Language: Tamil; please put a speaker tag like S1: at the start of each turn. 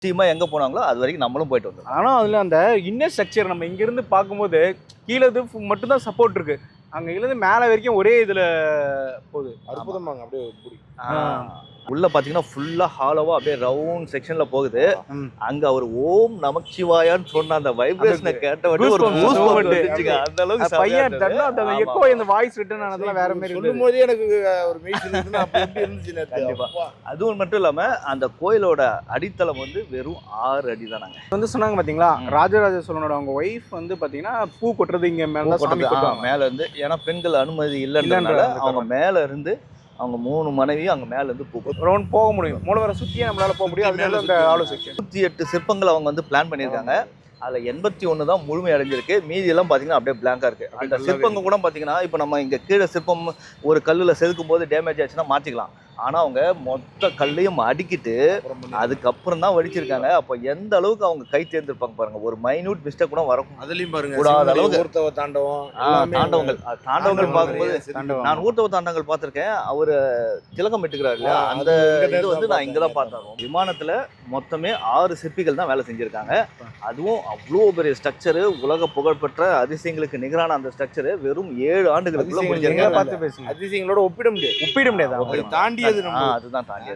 S1: நிச்சயமா எங்க போனாங்களோ அது வரைக்கும் நம்மளும் போயிட்டு வந்தோம்.
S2: ஆனா அதுல அந்த இன்னர் ஸ்ட்ரக்சர் நம்ம இங்க இருந்து பார்க்கும்போது கீழே இது மட்டும் தான் சப்போர்ட் இருக்கு. அங்க இருந்து மேல வரைக்கும் ஒரே இதுல போகுது.
S3: அற்புதமாங்க அப்படியே புடி.
S1: உள்ள பாத்தீங்கன்னா ஃபுல்லா ஹாலோவா அப்படியே ரவுண்ட் செக்ஷன்ல போகுது.
S2: ம்.
S1: அங்க அவர் ஓம் நமச்சிவாயான்னு சொன்ன அந்த வைப்ரேஷனை கேட்ட உடனே ஒரு
S2: goosebumps
S1: goosebumps
S2: moment.
S1: வந்துச்சுங்க. அந்த அளவுக்கு
S2: அது பையன்
S1: செமையா
S2: தட்டா அந்த
S1: இருந்தது.
S2: எக்கோ இந்த வாய்ஸ் ரிட்டர்ன் ஆனதெல்லாம் வேற மாதிரி இருந்தது.
S3: சொல்லும் போதே எனக்கு ஒரு மெய் சிலிர்க்குதுன்னா அப்ப எப்படி இருந்துச்சு நேத்து.
S1: கண்டிப்பா.
S3: அப்பா.
S1: அதுவும் மட்டும் இல்லாம அந்த கோயிலோட அடித்தளம் வந்து வெறும் 6 அடி தானாங்க.
S2: வந்து சொன்னாங்க பாத்தீங்களா,
S1: ம்.
S2: ராஜராஜ சோழனோட அவங்க ஒய்ஃப் வந்து பாத்தீங்கன்னா பூ கொட்டுறது இங்க மேல தான் சாமி கொட்டுவாங்க.
S1: மேல இருந்து ஏன்னா பெண்கள் அனுமதி இல்லைன்றதுனால
S2: இல்லைன்றதுனால
S1: அவங்க மேல இருந்து அவங்க 3 மனைவியும் அங்க மேல இருந்து பூ
S2: ரவுண்ட் போக முடியும். மூலவரை சுத்தியே நம்மளால போக முடியும்.
S3: சுத்தி
S2: அதனால
S3: மேல
S2: அந்த
S3: சுத்தி.
S2: ஆலோ செக்ஷன்
S1: 108 சிற்பங்கள் அவங்க வந்து பிளான் பண்ணியிருக்காங்க. அதுல 81 தான் முழுமை அடைஞ்சிருக்கு. மீதி எல்லாம் பாத்தீங்கன்னா அப்படியே பிளாங்கா இருக்கு. அந்த
S3: நல்லாவே
S1: சிற்பங்க கூட பாத்தீங்கன்னா இப்ப நம்ம இங்க கீழே சிற்பம் ஒரு கல்லுல செதுக்கும் போது டேமேஜ் ஆச்சுன்னா மாத்திக்கலாம். ஆனா அவங்க மொத்த கல்லையும் அடுக்கிட்டு
S3: அப்புறம் பண்ணி.
S1: அதுக்கப்புறம் தான் வடிச்சிருக்காங்க. அப்ப எந்த அளவுக்கு அவங்க கை தேர்ந்திருப்பாங்க பாருங்க. ஒரு மைன்யூட் மிஸ்டேக் கூட வரும்.
S3: அதுலயும் பாருங்க
S1: கூடாத
S3: சிவனுடைய
S1: அளவுக்கு.
S3: ஊர்த்தவ தாண்டவம் எல்லாமே
S1: தாண்டவங்கள் தாண்டவங்கள் பார்க்கும்போது
S2: தாண்டவம்.
S1: நான் ஊர்த்தவ தாண்டங்கள் பார்த்திருக்கேன். அவரு திலகம் இட்டுக்கிறாரு இல்லையா,
S3: ஆ,
S1: அந்த
S3: அது இங்க
S1: இது வந்து
S3: தான்
S1: நான் இங்க தான்
S3: பார்த்தேன்.
S1: பார்த்தேன். விமானத்துல மொத்தமே 6 சிற்பிகள் தான் வேலை செஞ்சிருக்காங்க. அதுவும் அவ்வளோ பெரிய ஸ்ட்ரக்சரு, உலக புகழ்பெற்ற அதிசயங்களுக்கு நிகரான அந்த ஸ்ட்ரக்சரு வெறும் 7 ஆண்டுகளுக்குள்ள
S3: அதிசயங்கள்
S2: நீங்களே
S1: முடிஞ்சிருக்காங்க.
S2: பார்த்து பேசுங்க.
S3: அதிசயங்களோட ஒப்பிட முடியாது.
S2: ஒப்பிட முடியாது.
S3: அதை தாண்டியது நம்ம
S1: அதுதான் தாண்டி